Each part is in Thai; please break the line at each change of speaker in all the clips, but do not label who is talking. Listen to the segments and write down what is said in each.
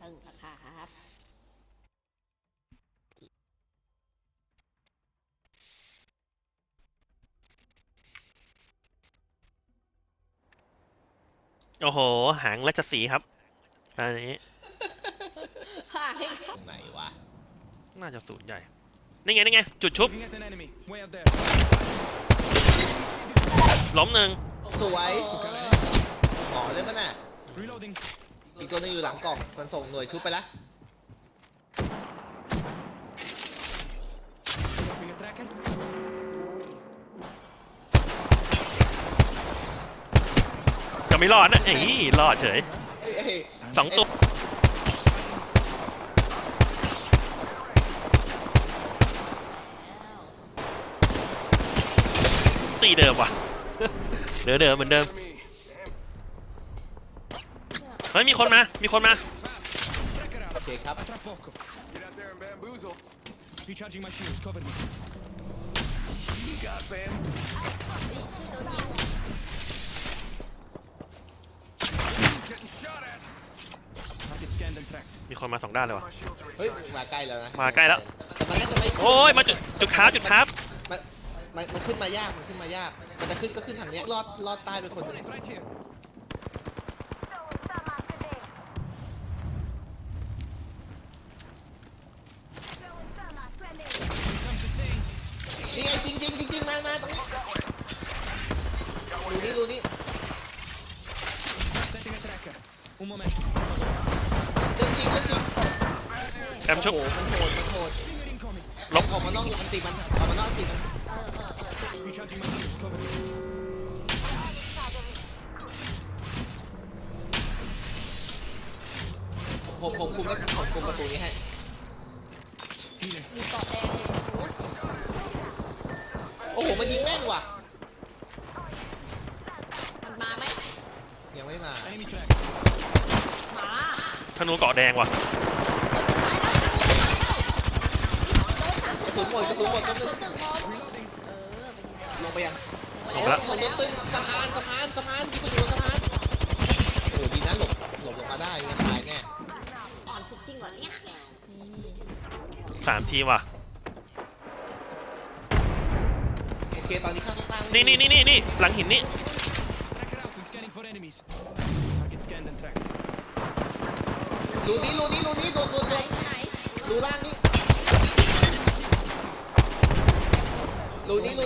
ตึงนะครับ
โอ้โหหางราชสีห์ครับอันนี้
ห่าง
ตรงไหนวะ
น่าจะศูนย์ใหญ่นี่ไงจุดชุบ
Looking at an enemy. Way up there.
ล้มหนึ่ง
สวยอ๋อเล่นมันน่ะ
Reloading.
อีกตัวนึงอยู่หลังกล่องมันส่งหน่วยชุบไปละ
Dropping a tracker.
จะไม่รอดนะเอ้ยรอดเฉย
เอ้ย
สองตัวตีเดิมว่ะ เดิมเหมือนเดิมเฮ้ยมีคนมา
Tracker
โอ
out.
เคครับ
Tra poco.
Get out there and bamboozle.
Recharging my shields. Cover me.
You got bam.
วิชื่อตัวยิง
Getting shot at.
Target scanned and tracked.
มีคนมาสองด้านเลยว่ะ
My shields are
เฮ้ย
recharging.
มาใกล้แล้วนะ
มาใกล้แล้ว
แต่มันน่าจะไม่
โอ้ยมาจุดครับ
มันขึ้นมายากมันจะขึ้นก็ขึ้นทางเนี้ยลอดใต้ไปคนหนึง
Opponent right here.
นี่ไงจริงมาตรงนี้ดูนี่
Setting a tracker. Un momento.
เรื่องจริง
แอมชุบ
โอ้โหมันโหด
Stinger incoming.
ลบ
ออกมานอกอันติมันออกมานอกอันติมัน
Recharging my shields. Cover me.
ผมคุมแล้วผมคุมประตูนี้ให้
Healer.
มีเกาะแดงอยู่
โอ้โหมันยิงแม่นว่ะ
มันมาไหม
ยังไม่มา
Enemy track.
หมา
ธนูเกาะแดงว่ะ
เฮ้ยจะตายแล้วโดน3
กระสุนหมด
3 0 1
Reloading.
ลงไปยัง
ลงไปแล้ว
ผมโดนตึ้งสะพานที่กูอยู่บนสะพานโอ้โหดีนะหลบลงมาได้งั้นตายแน่
อ่อนสุดจริงเหรอเนี่ยนี่
3 ทีว่ะ
โอเคตอนนี้ข้างใต้
นี่หลังหินนี่
Tracker out and scanning for enemies. Target scanned and tracked.
รูนี้โดน
ไหนไหน
รูล่างนี่รูนี้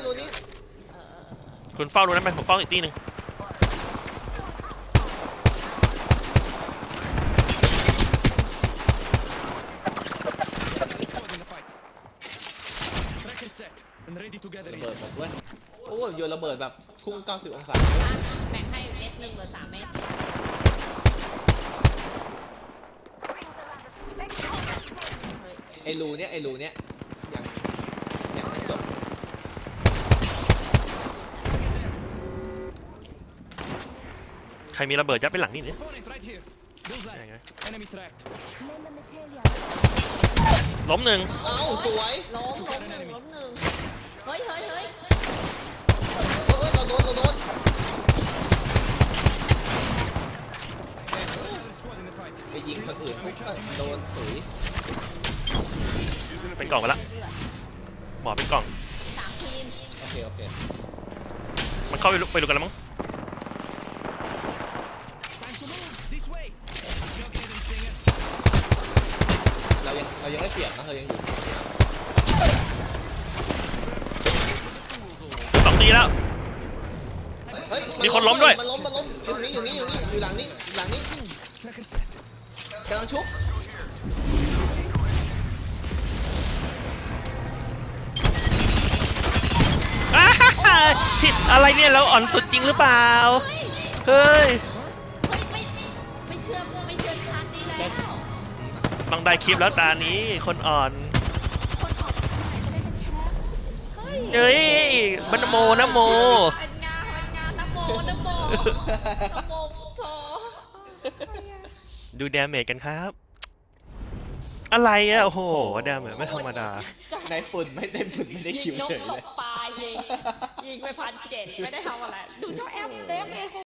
คุณเฝ้าดูนั้นไปผมเฝ้าอีกทีหนึ่ง
Squad in the fight. Tracker set and ready to gather
ระ
in.
เบิดหมดเว้ยโอ้ยโยนระเบิดแบบพุ่ง90องศา
แบ่งให้เม็ดหนึ่งเหลือ3 เม็ด
ไอ้รูเนี้ยยังไม่จบ
ใครมีระเบิดยัดไปหลังนี่เนี่ย
Opponent right here. Bullseye.
ยังไง
Enemy tracked.
ล้มหนึ่ง
เอ้าสวย
ล้มหนึ่งเฮ้ย
เราโดน
Another squad in the fight.
ไปยิงคนอื่นปุ๊บก็โดนสุย
เป็นกล่องไปละหมอเป็นกล่อง
3 ทีม
โอเค
มันเข้าไปดูกันแล้วมั้ง
Time to move. This way. Jughead and Stinger.
เรายังไม่เปลี่ยนนะเรายังอยู่
2 ทีแล้ว
เฮ้ย
มีคนล้มด้วย
มันล้มอยู่หลังนี้
Tracker set.
กำลังชุบ
อ้าฮ่าฮ่าที่อะไรเนี่ยเราอ่อนสุดจริงหรือเปล่า เฮ้ย
ไม่เชื่อครั้งนี้แล้ว
ต้องได้คลิปแล้วตานี้คนอ่อน
คนออกที่ไหนจะได้เป็นแชมป์เฮ้ย
เอ้ยมันโมนะโม
เป็นงานนะโมพุทโธ
ดูดาเมจกันครับ อะไรอะโอ้โหดาเมจไม่ธรรมดา
ในฝุ่นไม่ได้คิว
ยิงนก
เฉย
ต
เลย
กปลายิงไป1,700ไม่ได้ทำอะไร ดูเจ้าแอปเต็มเลย